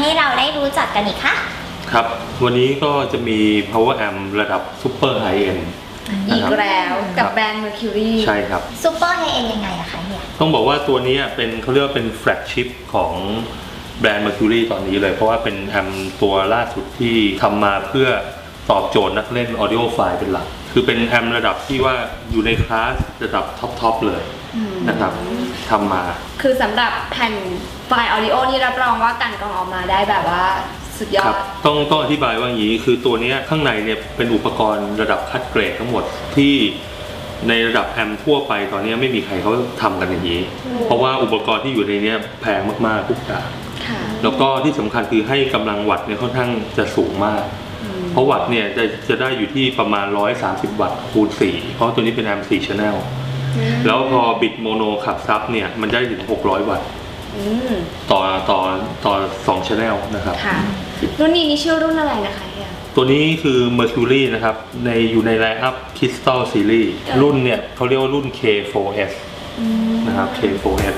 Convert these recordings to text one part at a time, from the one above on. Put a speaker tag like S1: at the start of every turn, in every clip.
S1: ให้เราได้รู้จักกันอีกคะ
S2: ครับวันนี้ก็จะมี power amp ระดับ super high end
S3: อีกแล้วกับแบรนด์ Mercury
S2: ใช่ครับ
S1: ซูเปอร์ไฮเอ็นยังไงอะคะเฮีย
S2: ต้องบอกว่าตัวนี้เป็นเขาเรียกว่าเป็น flagship ของแบรนด์ Mercury ตอนนี้เลยเพราะว่าเป็นแอมตัวล่าสุดที่ทำมาเพื่อตอบโจทย์นักเล่น audio file เป็นหลักคือเป็นแอมระดับที่ว่าอยู่ในคลาสระดับท็อปเลยนะครับทำมา
S3: คือสำหรับแผ่นไฟล์ audio นี่รับรองว่าการกรองออกมาได้แบบว่าสุดยอด
S2: ต้องอธิบายว่าอย่างนี้คือตัวนี้ข้างในเนี่ยเป็นอุปกรณ์ระดับคัดเกรดทั้งหมดที่ในระดับแอมทั่วไปตอนนี้ไม่มีใครเขาทำกันอย่างนี้เพราะว่าอุปกรณ์ที่อยู่ในนี้แพงมากๆทุกอย่างแล้วก็ที่สำคัญคือให้กำลังวัตต์เนี่ยค่อนข้างจะสูงมากเพราะวัตต์เนี่ยจะได้อยู่ที่ประมาณ130วัตต์คูณ4เพราะตัวนี้เป็นแอม4 channel แล้วพอบิดโมโนขับซับเนี่ยมันได้ถึง600วัตต์ต่อ2 channel นะครับ
S3: รุ่นนี้นี่ชื่อรุ่นอะไรนะคะ
S2: ตัวนี้คือ Mercury นะครับอยู่ในไลน์อัพ Crystal Series รุ่นเนี่ยเขาเรียกว่ารุ่น K4S นะครับ K4S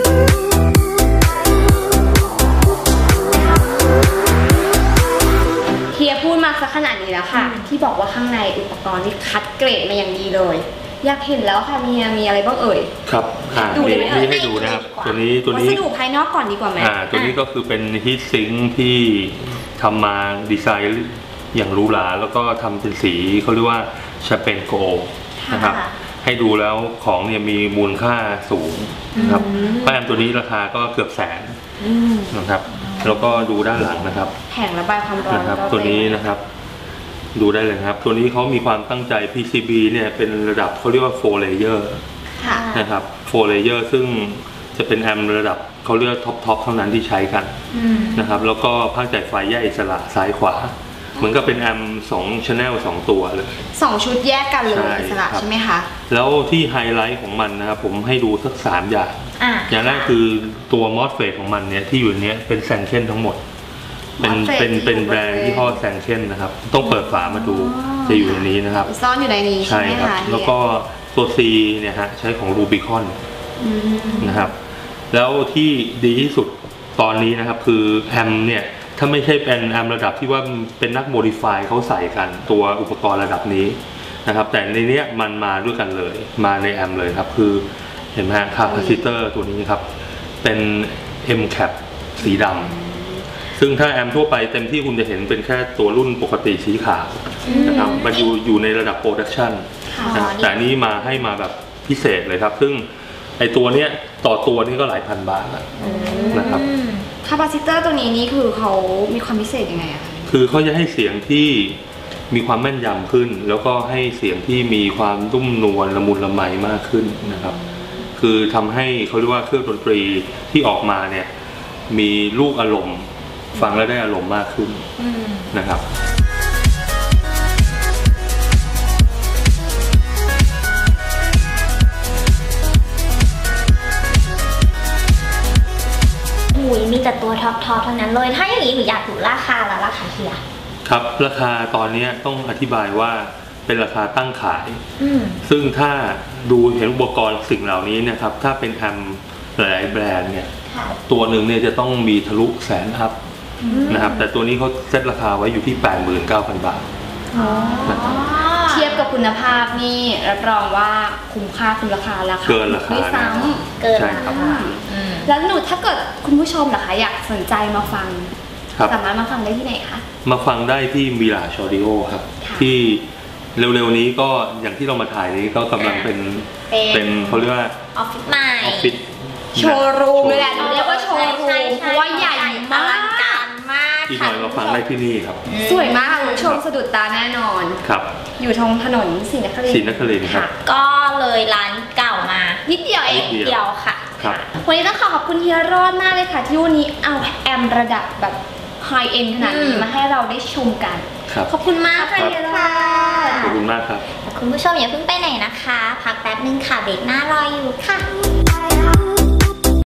S3: เฮียพูดมาสักขนาดนี้แล้วค่ะที่บอกว่าข้างในอุปกรณ์ที่คัดเกรดมาอย่างดีเลยอยากเห็นแล้วค่ะเฮียมีอะไรบ้างเอ่ย
S2: ครับ
S3: ดูได้ไหม
S2: ให้ดูนะครับตัวนี้
S3: วัสดุภายนอกก่อนดีกว่าไหม
S2: ตัวนี้ก็คือเป็นฮีทซิงค์ที่ทำมาดีไซน์อย่างหรูหราแล้วก็ทำเป็นสีเขาเรียกว่าแชมเปญโกลด์นะครับให้ดูแล้วของเนี่ยมีมูลค่าสูงนะครับแอมตัวนี้ราคาก็เกือบ100,000นะครับแล้วก็ดูด้านหลังนะครับ
S3: แผงระบายความร้อน
S2: นะครับตัวนี้นะครับดูได้เลยครับตัวนี้เขามีความตั้งใจ PCB เนี่ยเป็นระดับเขาเรียกว่า 4 layer นะครับ 4 layer ซึ่งจะเป็นแอมระดับเขาเรียกท็อปเท่านั้นที่ใช้กันนะครับแล้วก็ภาคจ่ายไฟแยกอิสระซ้ายขวาเหมือนกับเป็นแอม2 channel 2 ตัวเลย
S3: 2ชุดแยกกันเลยอิสระใช่ไหมคะ
S2: แล้วที่ไฮไลท์ของมันนะครับผมให้ดูสัก3อย่างอย่างแรกคือตัว MOSFET ของมันเนี่ยที่อยู่เนี้ยเป็นแซงเช่นทั้งหมดเป็นแบรนด์ที่พ่อแซงเช่นนะครับต้องเปิดฝามาดูจะอยู่ในนี้นะครับ
S3: ซ่อนอยู่ในนี้ใช่ไหมคะ
S2: แล้วก็ตัว C เนี่ยฮะใช้ของ Rubicon นะครับแล้วที่ดีที่สุดตอนนี้นะครับคือแอมเนี่ยถ้าไม่ใช่เป็นแอมระดับที่ว่าเป็นนักโมดิฟายเขาใส่กันตัวอุปกรณ์ระดับนี้นะครับแต่ในนี้มันมาด้วยกันเลยมาในแอมเลยครับคือเห็นไหมฮะคาปาซิเตอร์ตัวนี้ครับเป็น M cap สีดำซึ่งถ้าแอมทั่วไปเต็มที่คุณจะเห็นเป็นแค่ตัวรุ่นปกติสีขาวนะครับมันอยู่ในระดับโปรดักชันแต่นี้ให้มาแบบพิเศษเลยครับซึ่งไอตัวเนี้ยต่อตัวนี้ก็หลายพันบาทนะครับ
S3: คาปาซิเตอร์ตัวนี้นี่คือเขามีความพิเศษยังไงอะคะ
S2: คือเขาจะให้เสียงที่มีความแม่นยำขึ้นแล้วก็ให้เสียงที่มีความนุ่มนวลละมุนละไมมากขึ้นนะครับคือทำให้เขาเรียกว่าเครื่องดนตรีที่ออกมาเนี่ยมีลูกอารมณ์ฟังแล้วได้อารมณ์มากขึ้นนะครับ
S1: มีแต่ตัวท็อปทั้งนั้นเลยถ้าอย่างนี้หนูอยากรู้ราคาแล้วราคาเฮีย
S2: ครับราคาตอนนี้ต้องอธิบายว่าเป็นราคาตั้งขายซึ่งถ้าดูเห็นอุปกรณ์สิ่งเหล่านี้นะครับถ้าเป็นแอมหลายแบรนด์เนี่ยตัวหนึ่งเนี่ยจะต้องมีทะลุ100,000 อัพนะครับแต่ตัวนี้เขาเซ็ตราคาไว้อยู่ที่ 89,000 บาท
S3: เทียบกับคุณภาพนี่รับรองว่าคุ้มค่าคุณราคา
S2: เกินราคา
S3: ไม่ซ้ำ
S1: เกินราคา
S3: แล้วหนูถ้าเกิดคุณผู้ชมนะคะอยากสนใจมาฟังสามารถมาฟังได้ที่ไหนคะ
S2: มาฟังได้ที่มิราชออดิโอครับที่เร็วๆนี้ก็อย่างที่เรามาถ่ายนี้ก็กำลังเป็นเขาเรียกว่า
S1: ออฟฟิศใหม่
S2: ออฟฟิศ
S3: โชว์รูมเลยแหละเรียกว่าโชว์รูมเพราะว่าใหญ่มาก
S2: ที่หน่อยมาฟังได้ที่นี่ครับ
S3: สวยมากคุณผู้ชมสะดุดตาแน่นอน
S2: ครับ
S3: อยู่ตรงถนนศรีนครินทร์
S2: ครับ
S1: ก็เลยร้านเก่ามา
S3: นิดเดียวเอง
S1: เดียวค่ะ
S3: วันนี้ต้องขอบคุณเฮียรอดมากเลยค่ะที่วันนี้เอาแอมระดับแบบไฮเอ็นขนาดนี้มาให้เราได้ชมกันขอบคุณมากค่ะเฮียรอด
S2: ขอบคุณมากครับ
S1: คุณผู้ชมอย่าเพิ่งไปไหนนะคะพักแป๊บนึงค่ะเบรกหน้ารออยู่ค่ะ